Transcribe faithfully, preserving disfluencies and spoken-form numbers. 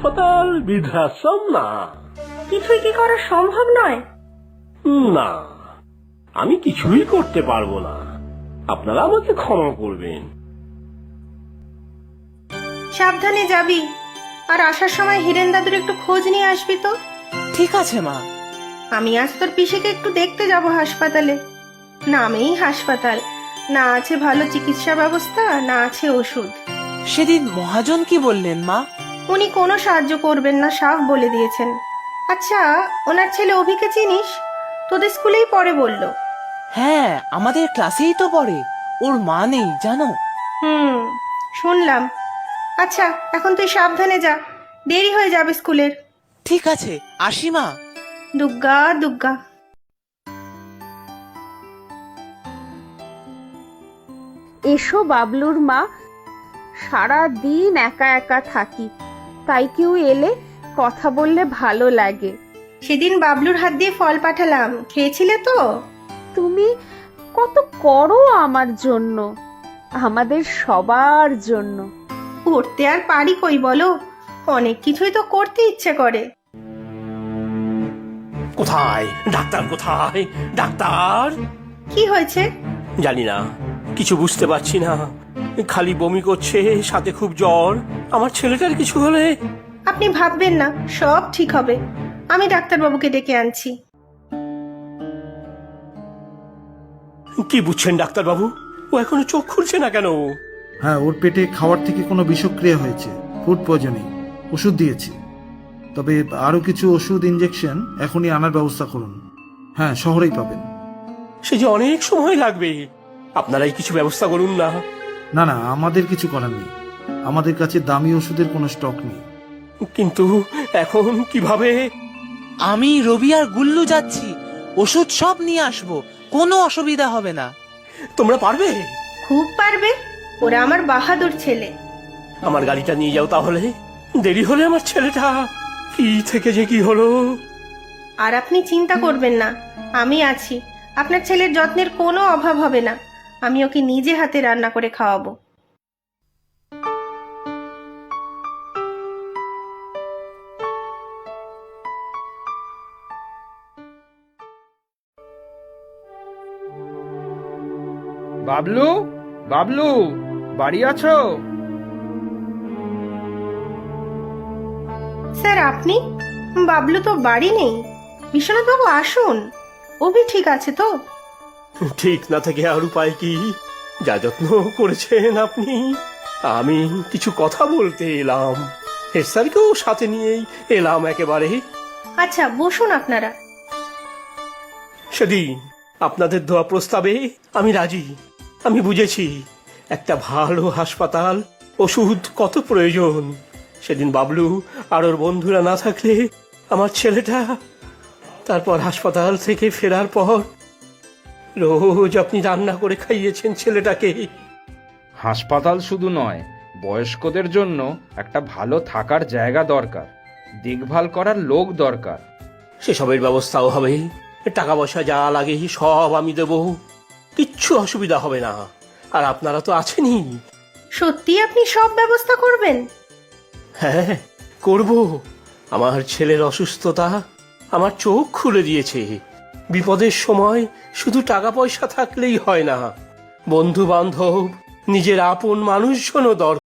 হাসপাতাল বৃদ্ধাশ্রম না। কিছুই কি করা সম্ভব নয়? না, আমি কিছুই করতে পারবো না, আপনারা আমাকে ক্ষমা করবেন। সাবধানে যাবি, আর আসার সময় হিরেন দাদুর একটু খোঁজ নিয়ে আসবি তো। ঠিক আছে মা। আমি আজ তোর পিসিকে একটু দেখতে যাব হাসপাতালে। নামেই হাসপাতাল, না আছে ভালো চিকিৎসা ব্যবস্থা, না আছে ওষুধ। সেদিন মহাজন কি বললেন মা? উনি কোনো সাহায্য করবেন না, সাফ বলে দিয়েছেন। আচ্ছা, ওনার ছেলে অভিকে চিনিস? তোদের স্কুলেই পড়ে বলল। হ্যাঁ, আমাদের ক্লাসেই তো পড়ে। ওর মা নেই জানো? হুম, শুনলাম। আচ্ছা, এখন তুই সাবধানে যা, দেরি হয়ে যাবে স্কুলের। ঠিক আছে, আসি মা। দুগ্গা দুগ্গা। এসো বাবলুর মা, সারা দিন একা একা থাকি, তাই কেউ এলে কথা বললে ভালো লাগে। সেদিন বাবলুর হাত দিয়ে ফল পাঠালাম, খেয়েছিলে তো? তুমি কত করো আমার জন্য, আমাদের সবার জন্য। করতে আর পারি কই বলো, অনেক কিছুই তো করতে ইচ্ছে করে। কোথায় ডাক্তার, কোথায় ডাক্তার? কি হয়েছে? জানি না, কিছু বুঝতে পারছি না, খালি বমি করছে, সাথে খুব জ্বর। আমার ছেলেটার কিছু হলে? আপনি ভাববেন না, সব ঠিক হবে। আমি ডাক্তারবাবুকে ডেকে আনছি। কি বুঝছেন ডাক্তারবাবু? ও এখনো চোখ খুলছে না কেন? হ্যাঁ, ওর পেটে খাওয়ার থেকে কোনো বিষক্রিয়া হয়েছে, ফুড পয়জনিং। ওষুধ দিয়েছি, তবে আরো কিছু ওষুধ ইনজেকশন এখনই আনার ব্যবস্থা করুন। হ্যাঁ, শহরেই পাবেন। সে যে অনেক সময় লাগবে, আপনারাই কিছু ব্যবস্থা করুন না। না না, আমাদের কিছু করার নেই, আমাদের কাছে দামি ওষুধের কোনো স্টক নেই। কিন্তু এখন কিভাবে? আমি, রবি আর গুল্লু যাচ্ছি, ওষুধ সব নিয়ে আসবো, কোনো অসুবিধা হবে না। তোমরা পারবে? খুব পারবে, ওরা আমার বাহাদুর ছেলে। আমার গাড়িটা নিয়ে যাও তাহলে, দেরি হলে আমার ছেলেটা কি থেকে যে কি হলো। আর আপনি চিন্তা করবেন না, আমি আছি। আপনার ছেলের যত্নের কোনো অভাব হবে না। আমি ওকে নিজে হাতে রান্না করে খাওয়াবো। বাবলু, বাবলু, বাড়ি আছো? স্যার, আপনি? বাবলু তো বাড়ি নেই। বিশ্বনাথ বাবু আসুন, অভি ঠিক আছে তো? ঠিক না থেকে আর উপায় কি? যা যত্ন করেছেন আপনি। আমি কিছু কথা বলতে এলাম, হেড স্যারকেও সাথে নিয়েই এলাম একেবারে। আচ্ছা, বসুন আপনারা। সেদিন আপনাদের দেওয়া প্রস্তাবে আমি রাজি। আমি বুঝেছি একটা ভালো হাসপাতাল, ওষুধ কত প্রয়োজন। সেদিন বাবলু আর ওর বন্ধুরা না থাকলে আমার ছেলেটা। তারপর হাসপাতাল থেকে ফেরার পর রোজ আপনি রান্না করে খাইয়েছেন ছেলেটাকে। হাসপাতাল শুধু নয়, বয়স্কদের জন্য একটা ভালো থাকার জায়গা দরকার, দেখভাল করার লোক দরকার। সেসবের ব্যবস্থাও হবে, টাকা পয়সা যা লাগে সব আমি দেব, কিচ্ছু অসুবিধা হবে না। আর আপনারা তো আছেনই। সত্যি আপনি সব ব্যবস্থা করবেন? হ্যাঁ, করব। আমার ছেলের অসুস্থতা আমার চোখ খুলে দিয়েছে। বিপদের সময় শুধু টাকা পয়সা থাকলেই হয় না, বন্ধু বান্ধব, নিজের আপন মানুষজনও দরকার।